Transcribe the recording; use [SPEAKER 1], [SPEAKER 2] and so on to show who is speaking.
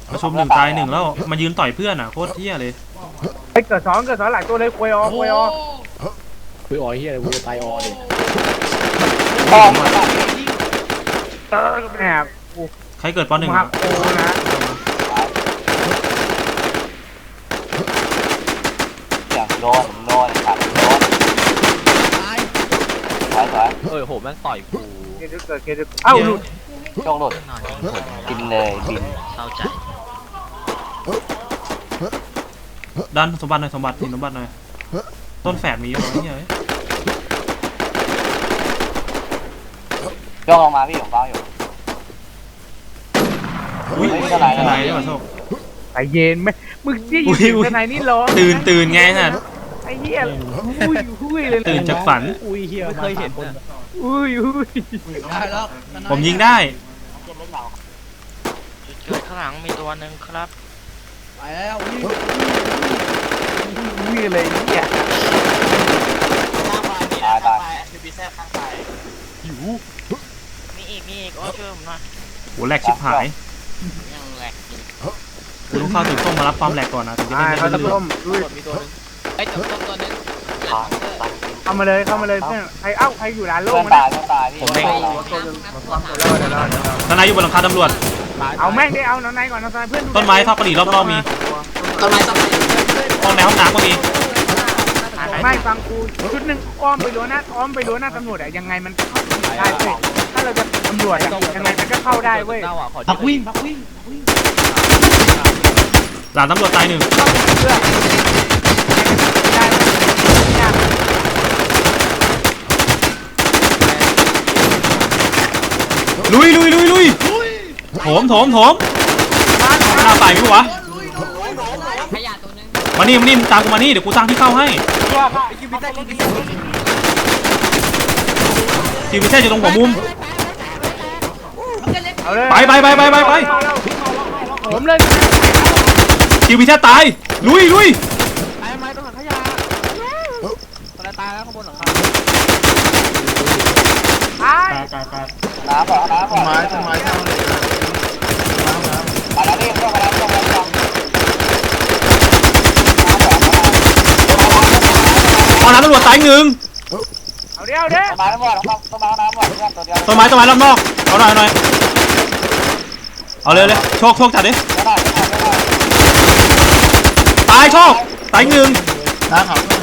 [SPEAKER 1] ประชุมหนึ่งตายหนึ่งแล้วมายืนต่อยเพื่อนอ่ะโคตรเที่ยเลย
[SPEAKER 2] ไอ้เกิดสองหลายตัวเลยคุยออคุยออเฮียอะไรกูจะตายออเลยแอบ
[SPEAKER 1] ใครเกิดป.1
[SPEAKER 2] ครับโอ้นะ
[SPEAKER 3] อย่างโดนตัดโดนสวย
[SPEAKER 4] โหแม่งต่อยกู
[SPEAKER 2] เกิดเอ้าหลุด
[SPEAKER 3] ช่วงหลุดบินเลยบิน
[SPEAKER 4] เศร้าใจ
[SPEAKER 1] ดันสมบัติหน่อยสมบัติหน่อยต้นแฝดมีอยู่นี่เลย
[SPEAKER 3] ช่วงลงมาพี่ผมเฝ้าอยู่
[SPEAKER 1] อุ้ยทนายได้ป่ะโชค
[SPEAKER 2] ใจเย็นไหมมึงที่อยู่ทนายนี่ร้อง
[SPEAKER 1] ตื่นไงฮะ
[SPEAKER 2] ไอ้เหี้ยอุ้ยเลย
[SPEAKER 1] ตื่นจากฝัน
[SPEAKER 4] ไม่เคยเห็น
[SPEAKER 2] อุ้ย
[SPEAKER 1] ผมยิงได้
[SPEAKER 4] เกิดข้างหลังมีตัวหนึ่งครับ
[SPEAKER 2] ไปแล้วอุ้ยเลยเนี่ย
[SPEAKER 3] ตาย
[SPEAKER 4] หิวมีอีกโอ้ช่วยผมหน่อย
[SPEAKER 1] โหแหลกชิบหาย
[SPEAKER 4] ยังแหลก
[SPEAKER 1] คุณต้องเข้าถึงต้องมารับความแหลกก่อนนะถึงจะได้
[SPEAKER 2] เขาต้ม
[SPEAKER 4] มีตัวนึงไอ้ตัวนึง
[SPEAKER 2] เข้ามาเลยเพื่อนใครใครอยู่ร้านโล่ง
[SPEAKER 3] ตายพี่
[SPEAKER 1] ผมเองทนายอยู่บนหลังคาตำรวจ
[SPEAKER 2] เอาแม่งได้เอาน้องนายก่อนน้องนายเพื่อน
[SPEAKER 1] ต้นไม้ทอดกระดิ่งรอบๆมี
[SPEAKER 4] ต้นไม้
[SPEAKER 1] ห้องในห้องน้ำก็มี
[SPEAKER 2] ไม่ฟังกูชุดหนึ่งอ้อมไปรั้วหน้าตำรวจอะยังไงมันเข้าได้เว้ยถ้าเราจะตำรวจยังไงมันก็เข้าได้เว้ย
[SPEAKER 4] พักวิ่ง
[SPEAKER 1] หลานตำรวจตายหนึ่งลุยโถมหน้าตายมั้ยวะมานี่ตามกูมานี่เดี๋ยวกูตั้งที่เข้าให้คิวพิเศษอยู่ตรงหัวมุมไป
[SPEAKER 2] ผมเลย
[SPEAKER 1] คิวพิเศษตายลุย
[SPEAKER 4] ไม้ต้องหลังขยะตายแล้วข้างบนหลังคา
[SPEAKER 3] น้ำ
[SPEAKER 5] ต้นไม้เข้าเลย
[SPEAKER 3] มาแล้วพี่เข้ามาแล้ว
[SPEAKER 1] ห้องน้ำตำรวจตายหนึ่ง
[SPEAKER 2] เอาเดี๋ยว
[SPEAKER 3] ต้นไม้น้ำหมดต้นไม้น้ำหมดตัวเดียว
[SPEAKER 1] ต้นไม้รอบนอกเอาหน่อยเอาเลยโชคจัดดิตายโชคตายหนึ่ง
[SPEAKER 5] น้าเขา